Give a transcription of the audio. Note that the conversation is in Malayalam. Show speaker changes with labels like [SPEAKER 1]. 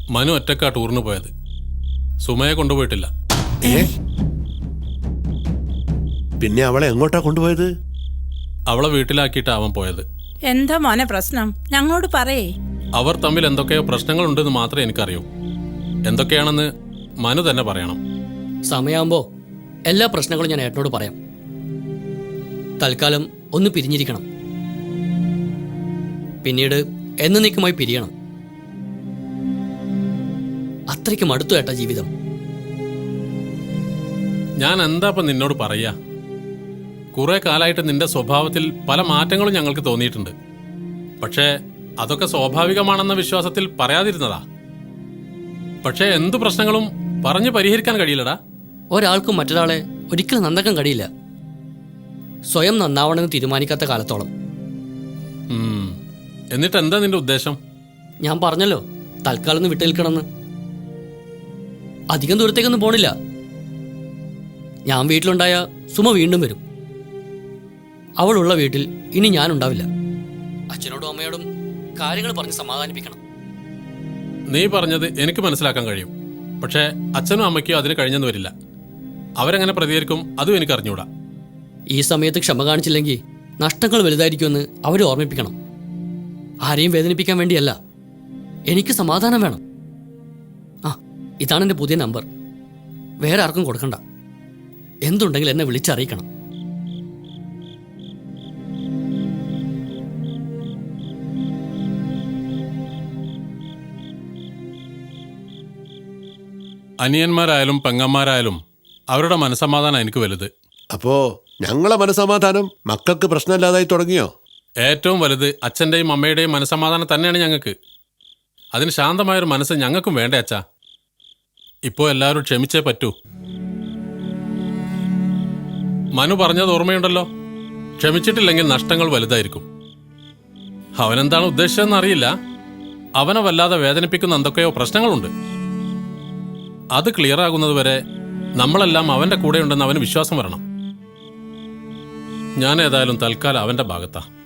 [SPEAKER 1] മനു ഒറ്റക്കാ ടൂറിന് പോയത്. സുമയെ കൊണ്ടുപോയിട്ടില്ല.
[SPEAKER 2] പിന്നെ അവളെ എങ്ങോട്ടാ കൊണ്ടുപോയത്?
[SPEAKER 1] അവളെ വീട്ടിലാക്കിയിട്ടാ അവൻ പോയത്.
[SPEAKER 3] എന്താ മോനെ പ്രശ്നം? ഞങ്ങളോട് പറയേ.
[SPEAKER 1] അവർ തമ്മിൽ എന്തൊക്കെയോ പ്രശ്നങ്ങളുണ്ടെന്ന് മാത്രമേ എനിക്കറിയൂ. എന്തൊക്കെയാണെന്ന് മനു തന്നെ പറയണം.
[SPEAKER 4] സമയമാകുമ്പോ എല്ലാ പ്രശ്നങ്ങളും ഞാൻ ഏട്ടനോട് പറയാം. തൽക്കാലം ഒന്ന് പിരിഞ്ഞിരിക്കണം. പിന്നീട് എന്നേക്കുമായി പിരിയണം. അത്രയ്ക്ക് മടുത്തു ഏട്ടാ ജീവിതം.
[SPEAKER 1] ഞാൻ എന്താ ഇപ്പം നിന്നോട് പറയാ? കുറെ കാലമായിട്ട് നിന്റെ സ്വഭാവത്തിൽ പല മാറ്റങ്ങളും ഞങ്ങൾക്ക് തോന്നിയിട്ടുണ്ട്. പക്ഷേ അതൊക്കെ സ്വാഭാവികമാണെന്ന വിശ്വാസത്തിൽ പറയാതിരുന്നതാ. പക്ഷേ എന്തു പ്രശ്നങ്ങളും പറഞ്ഞു പരിഹരിക്കാൻ കഴിയില്ലടാ.
[SPEAKER 4] ഒരാൾക്കും മറ്റൊരാളെ ഒരിക്കലും നന്നാക്കാൻ കഴിയില്ല, സ്വയം നന്നാവണമെന്ന് തീരുമാനിക്കാത്ത കാലത്തോളം.
[SPEAKER 1] എന്നിട്ട് എന്താ നിന്റെ ഉദ്ദേശം?
[SPEAKER 4] ഞാൻ പറഞ്ഞല്ലോ, തൽക്കാലം ഒന്ന് വിട്ടു നിൽക്കണമെന്ന്. അധികം ദൂരത്തേക്കൊന്നും പോണില്ല. ഞാൻ വീട്ടിലുണ്ടായ സുമ വീണ്ടും വരും. അവളുള്ള വീട്ടിൽ ഇനി ഞാനുണ്ടാവില്ല. അച്ഛനോടും അമ്മയോടും കാര്യങ്ങൾ പറഞ്ഞ് സമാധാനിപ്പിക്കണം.
[SPEAKER 1] നീ പറഞ്ഞത് എനിക്ക് മനസ്സിലാക്കാൻ കഴിയും. പക്ഷേ അച്ഛനും അമ്മയ്ക്കും അതിന് കഴിഞ്ഞെന്ന് വരില്ല. അവരെങ്ങനെ പ്രതികരിക്കും അതും എനിക്ക് അറിഞ്ഞൂടാ.
[SPEAKER 4] ഈ സമയത്ത് ക്ഷമ കാണിച്ചില്ലെങ്കിൽ നഷ്ടങ്ങൾ വലുതായിരിക്കുമെന്ന് അവർ ഓർമ്മിപ്പിക്കണം. ആരെയും വേദനിപ്പിക്കാൻ വേണ്ടിയല്ല, എനിക്ക് സമാധാനം വേണം. ആ, ഇതാണ് എൻ്റെ പുതിയ നമ്പർ. വേറെ ആർക്കും കൊടുക്കണ്ട. എന്തുണ്ടെങ്കിൽ എന്നെ വിളിച്ചറിയിക്കണം.
[SPEAKER 1] അനിയന്മാരായാലും പെങ്ങന്മാരായാലും അവരുടെ മനസ്സമാധാനം എനിക്ക് വലുത്.
[SPEAKER 2] അപ്പോ ഞങ്ങളെ മനസ്സമാധാനം മക്കൾക്ക് പ്രശ്നമില്ലാതായി തുടങ്ങിയോ?
[SPEAKER 1] ഏറ്റവും വലുത് അച്ഛൻ്റെയും അമ്മയുടെയും മനസ്സമാധാനം തന്നെയാണ് ഞങ്ങൾക്ക്. അതിന് ശാന്തമായൊരു മനസ്സ് ഞങ്ങൾക്കും വേണ്ടേ അച്ഛാ. ഇപ്പോൾ എല്ലാവരും ക്ഷമിച്ചേ പറ്റൂ. മനു പറഞ്ഞത് ഓർമ്മയുണ്ടല്ലോ, ക്ഷമിച്ചിട്ടില്ലെങ്കിൽ നഷ്ടങ്ങൾ വലുതായിരിക്കും. അവനെന്താണ് ഉദ്ദേശിച്ചതെന്ന് അറിയില്ല. അവനെ വല്ലാതെ വേദനിപ്പിക്കുന്ന എന്തൊക്കെയോ പ്രശ്നങ്ങളുണ്ട്. അത് ക്ലിയർ ആകുന്നത് വരെ നമ്മളെല്ലാം അവന്റെ കൂടെ ഉണ്ടെന്ന് അവന് വിശ്വാസം വരണം. ഞാൻ ഏതായാലും തൽക്കാലം അവന്റെ ഭാഗത്താ.